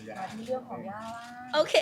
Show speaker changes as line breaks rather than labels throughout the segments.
มาที่เรื่องของย่าล่า
โอเค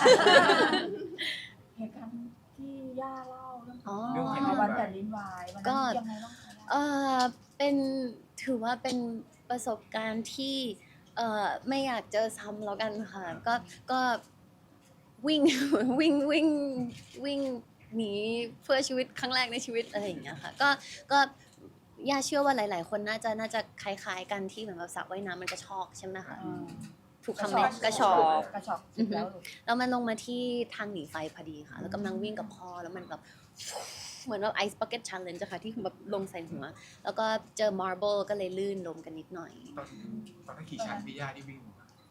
เหตุการณ์ที่ย่าเล่าเรื่อง
อ๋อ
วันแผ่นดินไหววัน
ก็
นั้นยังไงบ้างคะ
เป็นถือว่าเป็นประสบการณ์ที่ไม่อยากเจอซ้ำแล้วกันค่ะก็วิ่ง วิ่งหนีเพื่อชีวิตครั้งแรกในชีวิตอะไรอย่างเงี้ยค่ะก็ย่าเชื่อว่าหลายๆคนน่าจะคล้ายๆกันที่เหมือนแบบสระว่ายน้ำมันกระชอกใช่ไหมคะถูกคำไหมกระชอก
แล้ว
แล้วมันลงมาที่ทางหนีไฟพอดีค่ะแล้วกำลังวิ่งกับพ่อแล้วมันแบบเหมือนแบบ Ice Bucket Challenge อะค่ะที่แบบลงใส่หัวแล้วก็เจอ Marble ก็เลยลื่นล้มกันนิดหน่อย
ตอนนั้นกี่ชั้นพี่ย่าที่วิ่ง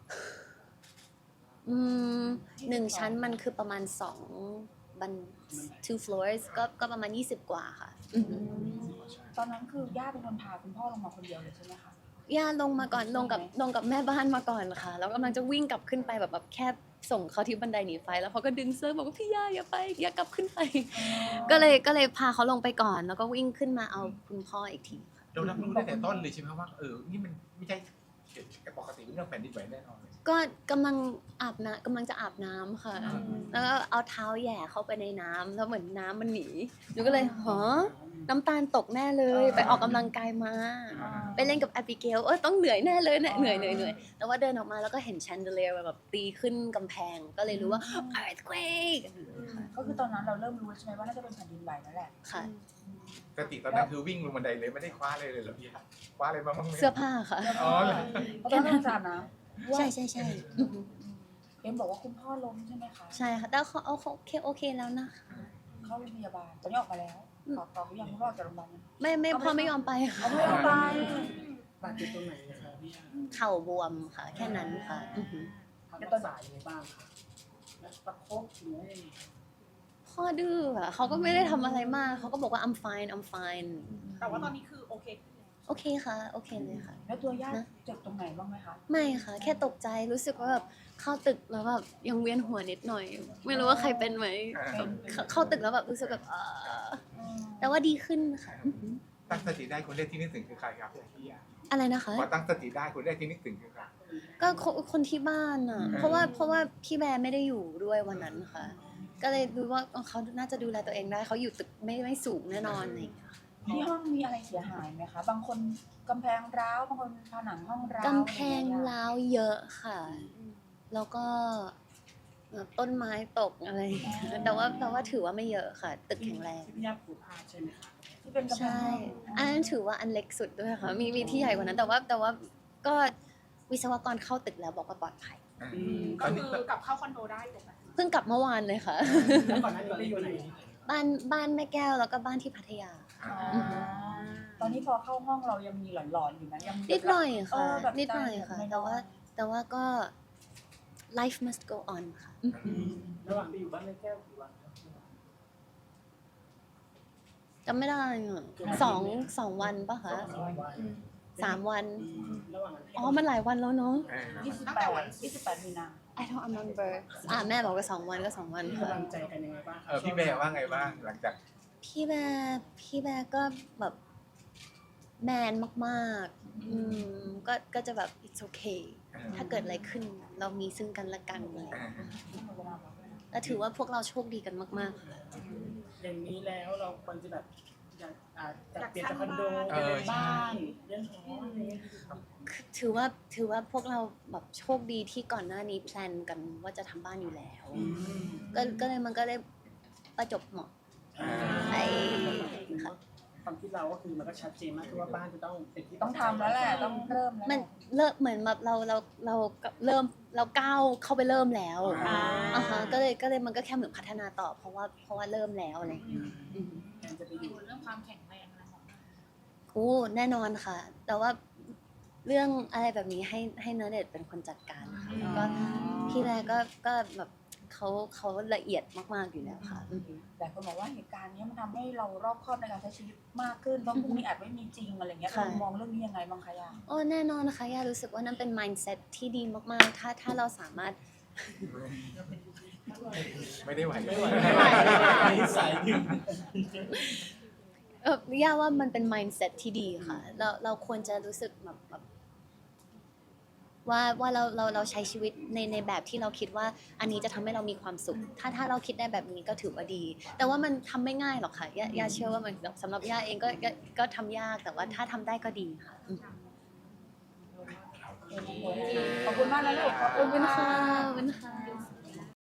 1 ชั้นมันคือประมาณบัน two floors ก็ประมาณ20 กว่าค่ะ
ตอนนั้นคือย่าเป็นคนพาคุณพ่อลงมาคนเดียวเลยใช่ไหมคะ
ย่าลงมาก่อนลงกับแม่บ้านมาก่อนค่ะแล้วกำลังจะวิ่งกลับขึ้นไปแบบแค่ส่งเขาที่บันไดหนีไฟแล้วเขาก็ดึงเสื้อบอกว่าพี่ย่าอย่าไปอย่ากลับขึ้นไปก็เลยพาเขาลงไปก่อนแล้วก็วิ่งขึ้นมาเอาคุณพ่ออีกทีค่ะ
เรารับรู้ตั้งแต่ต้นเลยใช่ไหมว่านี่มันไม่ใช่ปกติเรื่องแผ่นดินไหวแน่นอนเลย
ก็กำลังจะอาบน้ำค่ะแล้วก็เอาเท้าแหย่เข้าไปในน้ำแล้วเหมือนน้ำมันหนีหนูก็เลยน้ำตาลตกแน่เลยไปออกกำลังกายมาไปเล่นกับแอบิเกลต้องเหนื่อยแน่เลยเนี่ยเหนื่อยแต่ว่าเดินออกมาแล้วก็เห็นแชนเดเลียร์แบบตีขึ้นกำแพงก็เลยรู้ว่า earthquake
ก็คือตอนนั้นเราเริ่มรู้ใช่ไหมว่าน่าจะเป็นแผ่นดินไหวนั่นแหละ
ค่ะ
สติตอนนั้นคือวิ่งลงบันไดเลยไม่ได้คว้าเลยเหรอพี่ย่าคว้าอะไรมาบ้างไหม
เสื้อผ้าค่ะ
อ๋อเหรอ
เพราะตอนนั้นสาดน้ำ
ใช่
เอ็มบอกว่าคุณพ่อล้มใช่ไหมคะ
ใช่ค่ะแต่เขาโอเคแล้วนะคะ
เข้าโรงพยาบาลตอนนี้ออกมาแล้วตอบยังคุณพ่อออกจากโรงพยาบาลยัง
ไม่พ่อไม่ยอมไปค่ะ
เอาไม่ยอมไป
บาดเจ็บตรงไหนนะคะพี่ย่า
เข่าบวมค่ะแค่นั้นค่ะ
ทำรักษายังไงบ้างคะแล้วประคบหรือว่ายังไง
พ่อดื้ออะเขาก็ไม่ได้ทำอะไรมากเขาก็บอกว่า I'm fine
แต่ว่าตอนนี้คือโอเคขึ้นแล้ว
โอเคค่ะโอเคเลยค่ะ
แล้วตัวย่าเจ็บตรงไหนบ้างไหมคะ
ไม่ค่ะ แค่ตกใจรู้สึกว่าแบบเข้าตึกแล้วแบบยังเวียนหัวนิดหน่อย ไม่รู้ว่าใครเป็นไหมเข้าตึกแล้วแบบรู้สึกแบบแต่ว่าดีขึ้นค่ะ
ตั้งสติได้คนแรกที่นึกถึงคือใครครับพี่ย่า
อะไรนะคะ
พอตั้งสติได้คนแรกที่นึกถึงคือใคร
ก็คนที่บ้านอ่ะเพราะว่าพี่แบร์ไม่ได้อยู่ด้วยวันนั้นค่ะ ก็เลยรู้ว่าเขาน่าจะดูแลตัวเองได้เขาอยู่ตึกไม่สูงแน่นอนอะไรอย่างเงี้ยค่ะ
ที่ห้องมีอะไรเสียหายไหมคะ บางคนกำแพงร้าวบางคนผนังห้องร้าว
กำแพงร้าวเยอะค่ะ แล้วก็ต้นไม้ตกอะไรอย่างเงี้ยแต่ว่าถือว่าไม่เยอะค่ะ ตึกแข็งแรง
ที่พี่ย่าผูกผ้าใช่ไหมคะ
ที่เป็นกำแพง
ใช่ อันนั้นถือว่าอันเล็กสุดด้วยค่ะมีที่ใหญ่กว่านั้น แต่ว่าก็วิศวกรเข้าตึกแล้วบอกว่าปลอดภัย
ต
ก็
อนนี้
คือกลับเข้าคอนโดได้ถูกไหม
เพิ่งกลับเมื่อวานเลยค่ะ
แล้วก่อนหน้านี้ไปอยู่ไหน
บ้านแม่แก้วแล้วก็บ้านที่พัทยา
ตอนนี้พอเข้าห้องเรายังมีหลอนๆอยู่นะยัง
นิดหน่อยค่ะ
แบบ
นิดหน่อยค่ะ แต่ว่าก็ life must go on ค่ะ
ระหว่างไปอยู่บ้านแม่แก้วกี่วันครับ
จำไม่ได้อะสองวันปะคะ
วัน
3 วัน
ระหว่างนั้น
อ๋อ มันหลายวันแล้วเนาะ
28มีนา
I don't remember แม่บอกว่า2 วันก็2 วัน
มี
ค่ะ
กำลังใจกันยังไงบ้างคะ
พี่แบร์ว่าไงบ้างหลังจาก
พี่แบร์ก็แบบแมนมากๆก็จะแบบ it's okay ถ้าเกิดอะไรขึ้นเรามีซึ่งกันและกันเลยและถือว่าพวกเราโชคดีกันมากๆค่ะ
อย่างนี้แล้วเราควรจะแบบอยากจัดเปลี่ยนจากคอนโดเป็นบ้านเรื่องหออะไรอย่างเงี้ย
ถือว่าพวกเราแบบโชคดีที่ก่อนหน้านี้แพลนกันว่าจะทำบ้านอยู่แล้ว ก็เลยมันก็ได้ประจบเหมาะไอ้ค่ะ
ความคิดเราก็คือมันก็ชัดเจนมากคือว่าบ้านจะต้องเป็นที่
ต้องทำแล้วแหละต้องเริ่มแล้ว
มันเริ่มเหมือนแบบเราเริ่มก้าวเข้าไปเริ่มแล้วฮะก็เลยมันก็แค่เหมือนพัฒนาต่อเพราะว่าเริ่มแล้วอะไรอย่างเงี้ย
แทนจะไปอยู่
เรื่องความแข็งแรงอะไรของเรา
โอ้แน่นอนค่ะ แต่ว่าเรื่องอะไรแบบนี้ให้ณเดชน์เป็นคนจัดการค่ะก็พี่แรกก็แบบเขาละเอียดมากๆอยู่แล้วค่ะ
แต่คนบอกว่าเหตุการณ์นี้มันทำให้เรารอบคอบในการใช้ชีวิตมากขึ้นเพราะพรุ่งนี้อาจไม่มีจริงอะไรเงี้ย
ค่ะ
เรามองเรื่องนี้ยังไงบ้างคะย่า
โอ้แน่นอนนะคะย่ารู้สึกว่านั่นเป็น mindset ที่ดีมากๆถ้าเราสามารถ
ไม่ได้ไหว
สายดึง
ย่าว่ามันเป็น mindset ที่ดีค่ะเราควรจะรู้สึกแบบว่าเราใช้ชีวิตในแบบที่เราคิดว่าอันนี้จะทำให้เรามีความสุขถ้าเราคิดได้แบบนี้ก็ถือว่าดี แต่ว่ามันทำไม่ง่ายหรอกค่ะย่าเชื่อว่ามันสำหรับย่าเองก็ทำยากแต่ว่าถ้าทำได้ก็ดีค่ะ
ขอบคุณมากนะลูกขอบ
ขอบ
คุ
คุณ ณ
ค่ะ
ค่ะขอบคุณค่ะ